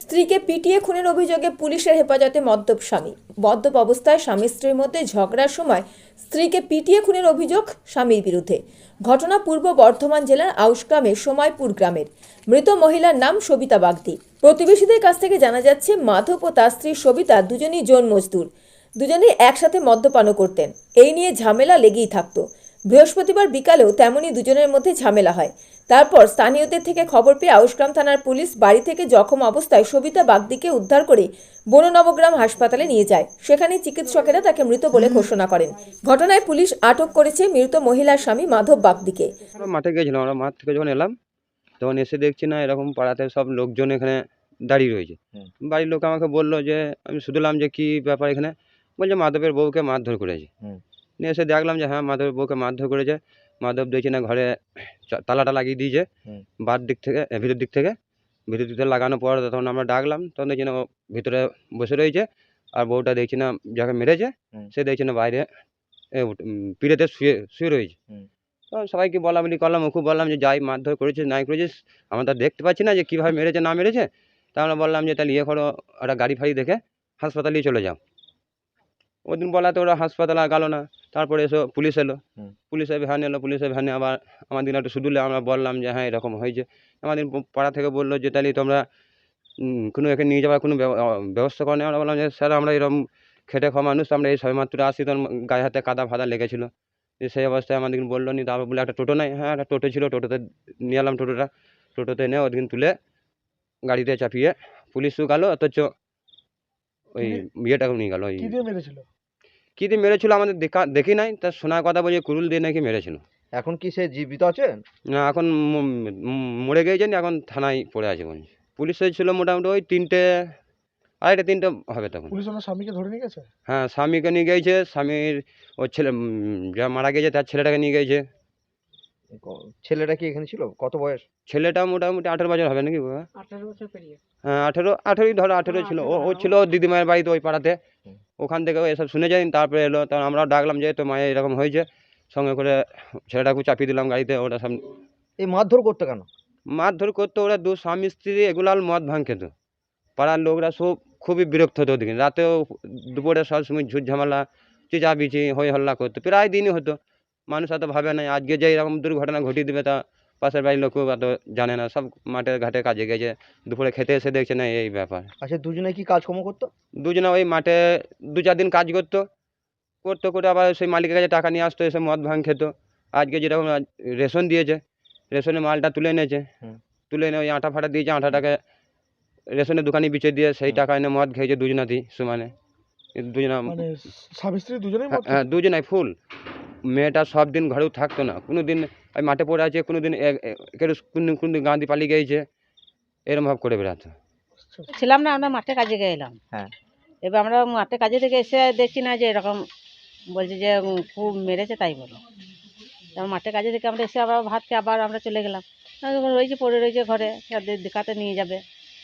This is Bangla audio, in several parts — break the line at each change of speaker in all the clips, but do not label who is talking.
স্ত্রীকে পিটিয়ে খুনের অভিযোগে পুলিশের হেফাজতে মদ্যপ স্বামী। মদ্যপ অবস্থায় স্বামী স্ত্রীর মধ্যে ঝগড়ার সময় স্ত্রীকে পিটিয়ে খুনের অভিযোগ স্বামীর বিরুদ্ধে। ঘটনা পূর্ব বর্ধমান জেলার আউশগ্রামের সময়পুর গ্রামের। মৃত মহিলার নাম সবিতা বাগদি। প্রতিবেশীদের কাছ থেকে জানা যাচ্ছে, মাধব ও তার স্ত্রী সবিতা দুজনই জোন মজদুর। দুজনেই একসাথে মদ্যপানও করতেন। এই নিয়ে ঝামেলা লেগেই থাকতো। বৃহস্পতিবার বিকালেও তেমনই দুজনের মধ্যে ঝামেলা হয়। তারপর স্থানীয়দের থেকে খবর পেয়ে আউশগ্রাম থানার পুলিশ বাড়ি থেকে জখম অবস্থায় সবিতা বাগদিকে উদ্ধার করে বননবগ্রাম হাসপাতালে নিয়ে যায়। সেখানে চিকিৎসকেরা তাকে মৃত বলে ঘোষণা করেন। ঘটনায় পুলিশ আটক করেছে মৃত মহিলার স্বামী মাধব বাগদিকে।
আমরা মাঠে গেছিলাম, আমরা মাঠ থেকে যখন এলাম তখন এসে দেখছি না এরকম পাড়াতে সব লোকজন এখানে দাঁড়িয়ে রয়েছে। বাড়ির লোক আমাকে বললো যে, আমি শুনলাম যে কি ব্যাপার এখানে, বলছে মাধবের বউকে মারধর করেছে। নিয়ে এসে দেখলাম যে হ্যাঁ, মাধবের বউকে মারধর করেছে। মাধব দেখছি না ঘরে তালাটা লাগিয়ে দিয়েছে বার দিক থেকে, ভিতর দিক থেকে লাগানোর পর তখন আমরা ডাকলাম, তখন দেখছি না ও ভিতরে বসে রয়েছে। আর বউটা দেখছি না যাকে মেরেছে সে দেখছি না বাইরে পিড়েতে শুয়ে শুয়ে রয়েছে। তো সবাইকে বলাবলি করলাম, ওকে বললাম যে যাই মারধর করেছিস নাই করেছিস আমরা তো দেখতে পাচ্ছি না যে কীভাবে মেরেছে না মেরেছে। তা আমরা বললাম যে তাহলে ইয়ে করো, একটা গাড়ি ফাড়ি দেখে হাসপাতালেই চলে যাও। ওদিন বলাতে ওরা হাসপাতালে আর গেল না। তারপরে পুলিশ এলো, পুলিশের ভ্যান এলো, পুলিশের ভ্যানে আবার আমাদের একটু শুধুলে আমরা বললাম যে হ্যাঁ এরকম হয়েছে। আমাদের পাড়া থেকে বললো যে তাহলে তোমরা কোনো এখানে নিয়ে যাওয়ার কোনো ব্যবস্থা করে নেই। আমরা বললাম যে স্যার আমরা এরকম খেটে খাওয়া মানুষ, আমরা এই সবেমাত্র আসি, তখন গায়ে হাতে কাদা ফাদা লেগেছিলো। সেই অবস্থায় আমাদের বললো নি। তারপর বলে একটা টোটো নাই, হ্যাঁ একটা টোটো ছিল, টোটোতে নিয়ে এলাম। টোটোতে এনে ওদিন তুলে গাড়িতে চাপিয়ে পুলিশও গেল, অথচ ওই ইয়েটাকে নিয়ে গেল। ওই কী দিয়ে মেরেছিল আমাদের দেখি নাই, তার শোনার কথা বলছে কুরুল দিয়ে নাকি মেরেছিল।
এখন কি সে জীবিত আছে?
না, এখন মরে গিয়েছেন, এখন থানায় পড়ে আছে বলছে। পুলিশ ছিল মোটামুটি ওই 3টে হবে তখন।
পুলিশ ওনার স্বামীকে ধরে নিয়ে গেছে?
হ্যাঁ, স্বামীকে নিয়ে গিয়েছে, স্বামীর ওর ছেলে যা মারা গেছে তার ছেলেটাকে নিয়ে গিয়েছে।
ছেলেটা কি এখানে ছিল? কত বয়স?
ছেলেটা মোটামুটি 18 বছর হবে নাকি বাবা?
18 বছর পেরিয়ে।
হ্যাঁ, 18ই ধরো, 18 ছিল। ও ছিল ওর দিদিমায়ের বাড়িতে ওই পাড়াতে। ওখান থেকে এসব শুনে যাই। তারপরে এলো, তখন আমরাও ডাকলাম যে তো মায়ের এরকম হয়েছে, সঙ্গে করে ছেলেটাকে চাপিয়ে দিলাম গাড়িতে। ওটা সব
এই মারধর করতে কেন?
মারধর করতো ওরা দু স্বামী স্ত্রী, এগুলাল মদ ভাঙ খেত। পাড়ার লোকরা সব খুবই বিরক্ত হতো ওদিকে। রাতেও দুপুরে সবসময় ঝুট ঝামেলা, চেঁচামেচি হই হল্লা করতো, প্রায় দিনই হতো। মানুষ এত ভাবে না আজকে যে এরকম দুর্ঘটনা ঘটিয়ে দেবে, তা পাশের বাড়ির লোকও এত জানে না। সব মাঠে ঘাটে কাজে গেছে, দুপুরে খেতে এসে দেখছে না এই ব্যাপার।
আচ্ছা, দুজনে কি কাজকর্ম করতো?
দুজনে ওই মাঠে 2-4 দিন কাজ করতো, করে আবার সেই মালিকের কাছে টাকা নিয়ে আসতো, এসে মদ ভাঙ খেত। আজকে যেরকম রেশন দিয়েছে, রেশনের মালটা তুলে এনেছে, তুলে এনে ওই আটা ফাটা দিয়েছে, আটাটাকে রেশনের দোকানে বিচে দিয়ে সেই টাকা এনে মদ খেয়েছে দুজনাতেই সমানে। দুজনা
মানে স্বামী স্ত্রী দুজনেই মদ
হ্যাঁ, দুজনাই ফুল। মেয়েটা সব দিন ঘরেও থাকতো না, কোনো দিন ওই মাঠে পড়ে আছে, কোনো দিন কোনো দিন গাঁ দিয়ে পালিয়ে গিয়েছে, এরকম ভাব করে বেড়াতো।
ছিলাম না, আমরা মাঠে কাজে গেলাম।
হ্যাঁ।
এবার আমরা মাঠে কাজে থেকে এসে দেখছি না যে এরকম বলছে যে খুব মেরেছে, তাই বলো। তারপর মাঠে কাজে থেকে আমরা এসে আবার ভাত খেয়ে আবার আমরা চলে গেলাম। রয়েছে পড়ে রয়েছে ঘরে, দেখাতে নিয়ে যাবে।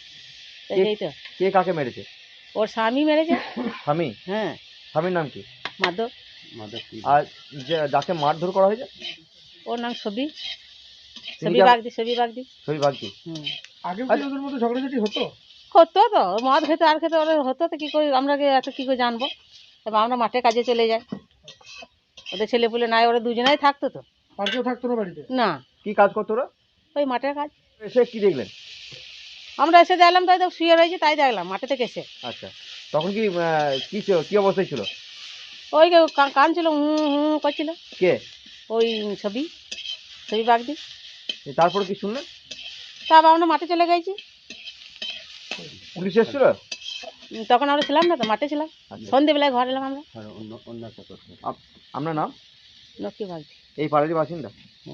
এই তো
কে কাকে মেরেছে?
ওর স্বামী মেরেছে।
স্বামী?
হ্যাঁ।
স্বামীর নাম কি?
মাধব।
আর যাকে মারধর করা হয়েছে?
ওর নাম ছবি বাগদি।
ছবি বাগদি।
আগে কি ওদের মধ্যে ঝগড়াঝাটি হতো?
হতো তো, মদ খেতে আর খেতে ওরা হতো, তো কী করে আমরা এত কী করে জানবো। তবে আমরা মাঠে কাজে চলে যাই, ওদের ছেলেপুলে নাই, ওরা দুজনাই থাকতো। তো
আর কেউ থাকতো না বাড়িতে?
না।
কি কাজ করতো ওরা?
ওই মাঠের কাজ।
এসে কি দেখলেন?
আমরা এসে দেখলাম তাই তো শুয়ে রয়েছে, তাই দেখলাম মাঠে থেকে এসে।
আচ্ছা, তখন কি কি অবস্থায় ছিল?
ওই কান ছিল, করছিল।
কে?
ওই ছবি বাগদি।
তারপর কি শুনলেন?
তারপর আমরা মাঠে চলে গেছি।
পুলিশ এসেছিল?
তখন আমরা ছিলাম না, তো মাঠে ছিলাম। সন্ধ্যেবেলায় ঘর এলাম আমরা।
আপনার নাম?
লক্ষ্মী বাগদি।
এই পাড়ারই বাসিন্দা?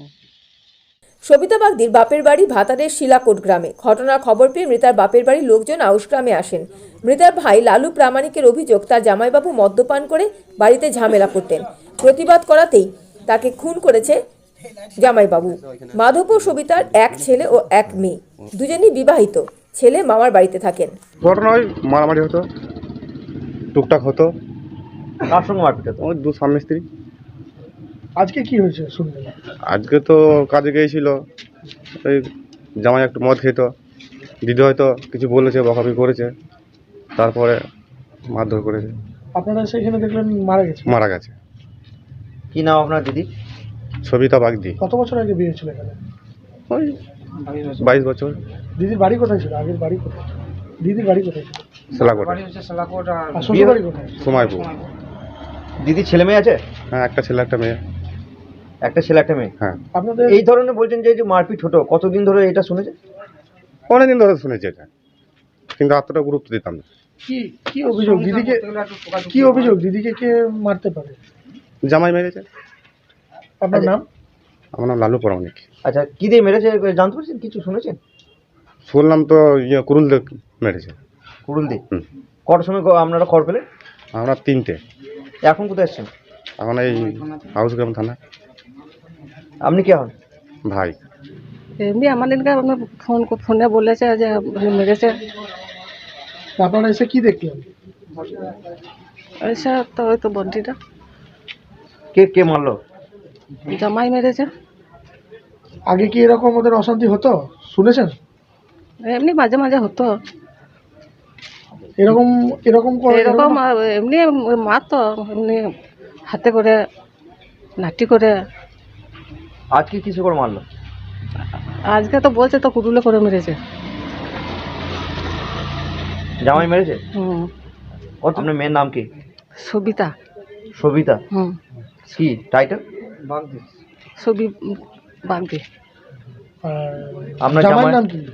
সবিতা বাগদির বাপের বাড়ি ভাতারের শিলাকোট গ্রামে। ঘটনার খবর পেয়ে মৃতার বাপের বাড়ির লোকজন আউশগ্রামে আসেন। মৃতার ভাই লালু প্রামাণিকের অভিযোগ, তার জামাইবাবু মদ্যপান করে বাড়িতে ঝামেলা করতেন। প্রতিবাদ করাতেই তাকে খুন করেছে জামাইবাবু। মাধব ও সবিতার এক ছেলে ও এক মেয়ে, দুজনই বিবাহিত। ছেলে মামার বাড়িতে থাকেন।
ঘটনা ওই মারামারি হতো, টুকটাক হতো।
কার সঙ্গে মারপিট হতো?
ওই দু স্বামী স্ত্রী।
আজকে কি হয়েছে শুনলেন?
আজকে তো কাজে গিয়েছিল, ওই জামাই একটু মদ খেত, দিদি হয়তো কিছু বলেছে, বকাবকি করেছে, তারপরে মারধর করেছে,
আপনারা সেখানে দেখলেন মারা গেছে।
মারা গেছে।
কি নাম আপনার দিদি?
সবিতা বাগদি,
কত বছর আগে বিয়ে ছিল এখানে?
ওই 22 বছর।
দিদির বাড়ি কোথায় ছিল? আগের বাড়ি কোথায়? দিদির বাড়ি কোথায় ছিল?
সেলাকোটে,
আর শ্বশুর বাড়ি কোথায়?
সময়পুর।
দিদি ছেলে মেয়ে আছে?
হ্যাঁ, একটা ছেলে একটা মেয়ে।
একটা ছেলে একটা মেয়ে।
হ্যাঁ,
আপনাদের
এই ধরনের বলছেন যে মারপিট হতো, কতদিন ধরে এটা শুনেছে?
অনেকদিন ধরে শুনেছি এটা, কিন্তু এতটা গুরুত্ব দিতাম না।
কি কি অভিযোগ দিদিকে? কি অভিযোগ দিদিকে কে মারতে পারে?
জামাই মেরেছে।
আপনার
আচ্ছা।
নাম?
আমার নাম লালু পরামানিক।
আচ্ছা, কি দিয়ে মেরেছে জানতে পারছেন? কিছু শুনেছেন?
শুনলাম তো কুরুল দিয়ে মেরেছে।
কুড়ুল দিয়ে।
হুম।
কটার সময় আপনারা খবর পেলেন?
আমরা 3টে।
এখন কোথায় এসছেন?
এখন এই হাউসগ্রাম থানা।
আপনি কে হন?
ভাই।
এমনি আমাদেরকে ফোনে বলেছে যে মেরেছে।
আপনারা এসে কি দেখলেন?
এসে তো ওই তো বন্টিটা
কে কে মারলো?
জামাই মেরেছে।
আগে কি এরকম ওদের অশান্তি হতো শুনেছেন?
এমনি মাঝে মাঝে হতো
এরকম এরকম
এরকম এমনি মারতো, এমনি হাতে করে লাঠি করে।
আজকে কিছু করে মারলো?
আজকে তো বলছে তো কুটুলে করে মেরেছে।
জামাই মেরেছে?
হুম।
আপনার মেয়ের নাম কি?
সবিতা।
সবিতা।
হুম।
কি টাইটেল?
ছবি বাগদি।
আপনার
জামাইয়ের নাম কি?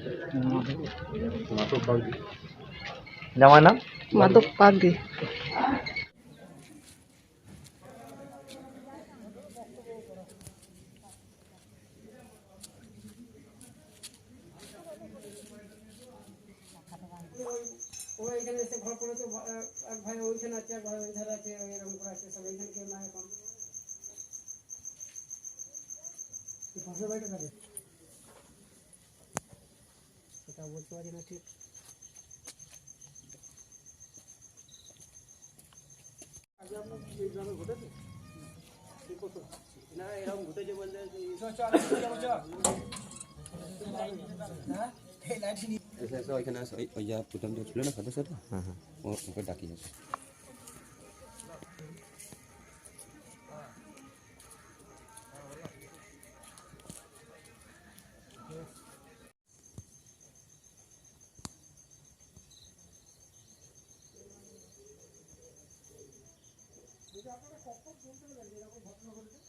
জামাইয়ের নাম?
মাধব বাগদি।
ওইখানে আসে, ওই যা প্রথম যে ছিল না সদস্যটা, ওকে ডাকিয়েছে।
আপনারা কখন শুনতে পেলেন এরকম ঘটনা ঘটেছে?